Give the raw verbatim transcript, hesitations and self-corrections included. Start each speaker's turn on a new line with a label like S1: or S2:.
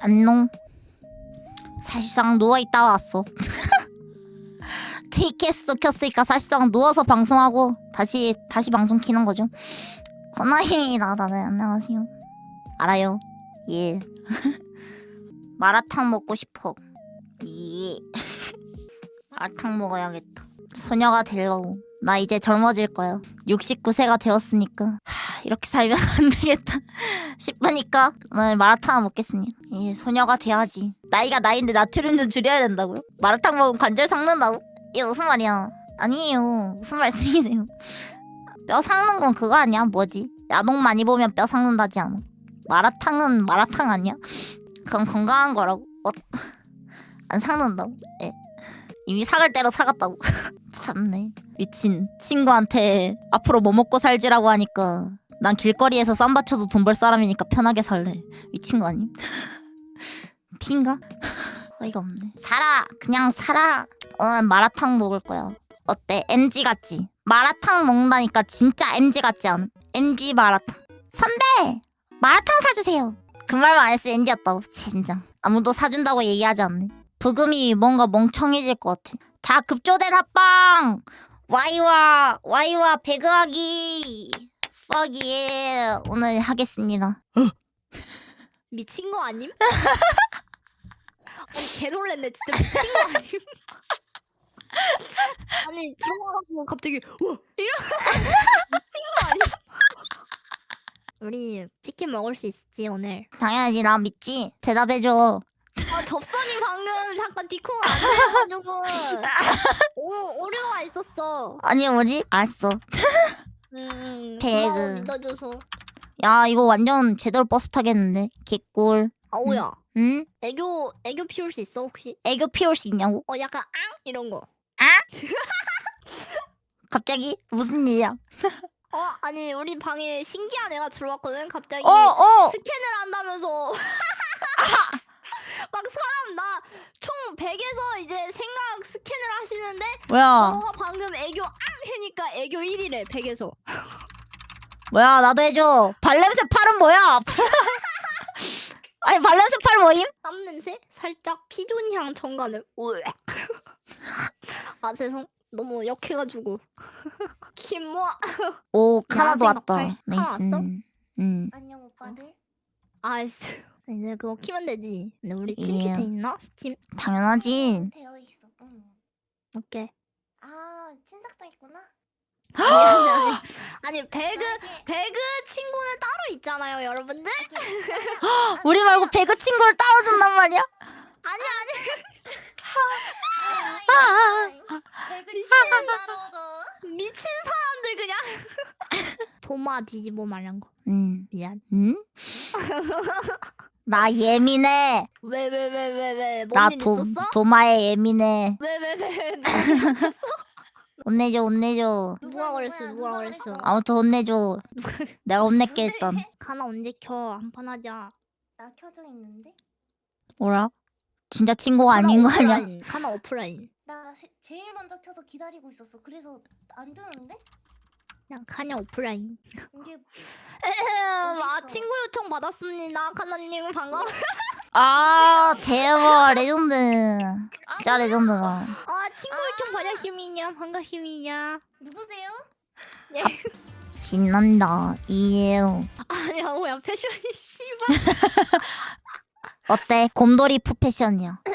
S1: 안녕. 사실상 누워있다 왔어. 테이크에서 켰으니까 사실상 누워서 방송하고 다시 다시 방송 키는 거죠. 선아입니다. 다들 안녕하세요. 알아요. 예. 마라탕 먹고 싶어. 예. 마라탕 먹어야겠다. 소녀가 되려고. 나 이제 젊어질 거야. 육십구 세가 되었으니까 하, 이렇게 살면 안 되겠다 싶으니까 오늘 마라탕 먹겠습니다. 예, 소녀가 돼야지. 나이가 나이인데 나트륨 좀 줄여야 된다고요? 마라탕 먹으면 관절 삭는다고? 이게 무슨 말이야? 아니에요. 무슨 말씀이세요? 뼈 삭는 건 그거 아니야? 뭐지? 야동 많이 보면 뼈 삭는다지 않아? 마라탕은 마라탕 아니야? 그건 건강한 거라고. 어? 안 삭는다고? 예. 이미 삭을 대로 사갔다고. 참네. 미친. 친구한테 앞으로 뭐 먹고 살지라고 하니까 난 길거리에서 쌈바쳐도 돈 벌 사람이니까 편하게 살래. 미친 거 아님? 티인가? 어이가 없네. 살아. 그냥 살아. 오늘 마라탕 먹을 거야. 어때? 엠지 같지? 마라탕 먹는다니까 진짜 엠지 같지 않아? 엠지 마라탕. 선배! 마라탕 사주세요. 그 말만 안 했으면 엠지였다고. 젠장. 아무도 사준다고 얘기하지 않네. 부금이 뭔가 멍청해질 것 같아. 자, 급조된 합방! 와이와 와이와 배그하기! fuck yeah. 오늘 하겠습니다.
S2: 미친 거 아님? 아니 개 놀랬네. 진짜 미친 거 아님? 아니 들어가고 갑자기 와 이러 미친 거 아님? 우리 치킨 먹을 수 있지 오늘?
S1: 당연하지. 나 믿지? 대답해줘.
S2: 아 접선이 방금 잠깐 디콩 안 해가지고 오 오류가 있었어.
S1: 아니 뭐지? 알았어.
S2: 음
S1: 배그.
S2: 고마워 믿어줘서.
S1: 야, 이거 완전 제대로 버스 타겠는데? 개꿀.
S2: 아오야
S1: 응?
S2: 애교 애교 피울 수 있어 혹시?
S1: 애교 피울 수 있냐고?
S2: 어 약간 앙 이런 거.
S1: 갑자기? 무슨 일이야?
S2: 어 아니 우리 방에 신기한 애가 들어왔거든. 갑자기
S1: 어, 어!
S2: 스캔을 한다면서 막 사람 나 총 백에서 이제 생각 스캔을 하시는데
S1: 뭐야?
S2: 너가 방금 애교 앙 해니까 애교 일이래 백에서.
S1: 뭐야, 나도 해줘. 발냄새 팔은 뭐야? 아니, 발냄새 팔 뭐임?
S2: 땀 냄새? 살짝 피존 향 첨가는. 으악. 아 죄송 너무 역해가지고. 김모아.
S1: 오, 카나도
S2: 야생
S1: 왔다.
S2: 덕팔. 카나
S1: 나이스.
S2: 왔어?
S1: 응.
S3: 안녕 오빠들.
S2: 아이씨 이제 그거 키면 되지. 근데 우리
S1: 예.
S2: 팀키 돼 있나? 스팀?
S1: 당연하지.
S3: 되어 있어. 응.
S2: 오케이.
S3: 아 친삭도 있구나.
S2: 아니 아니 아니 아니 배그
S3: 나에게-
S2: 배그 친구는 따로 있잖아요 여러분들.
S1: 우리 말고 배그 친구를 따로 둔단 말이야?
S2: 아니 아니
S3: 배그리 씨는 따로도.
S2: 미친 사람들 그냥. 도마 뒤집어 말한 거
S1: 응.
S2: 미안.
S1: 응? 나 예민해.
S2: 왜 왜 왜 왜 왜
S1: 나
S2: 뭔 일
S1: 도,
S2: 있었어?
S1: 도마에 예민해.
S2: 왜 왜 왜
S1: 혼내줘, 혼내줘.
S2: 누가 그랬어 누가 그랬어?
S1: 아무튼 혼내줘. 내가 혼낼게, 일단.
S2: 가나 언제 켜? 한판 하자.
S3: 나 켜져 있는데.
S1: 뭐라? 진짜 친구가 아닌 거 아니야?
S2: 오프라인. 가나 오프라인.
S3: 나 세, 제일 먼저 켜서 기다리고 있었어. 그래서 안 뜨는데?
S2: 그냥 가냐 오프라인.
S3: 이게
S2: 에헴, 아
S3: 어딨어?
S2: 친구 요청 받았습니다. 카나님 반가워.
S1: 아, 대박. 레전드. 진짜 레전드다.
S2: 아 친구 요청 받았습니다. 반갑습니다.
S3: 누구세요?
S2: 예.
S1: 신난다. 이에요.
S2: 아니야 뭐야 패션이 씨발.
S1: 어때? 곰돌이 푸 패션이야.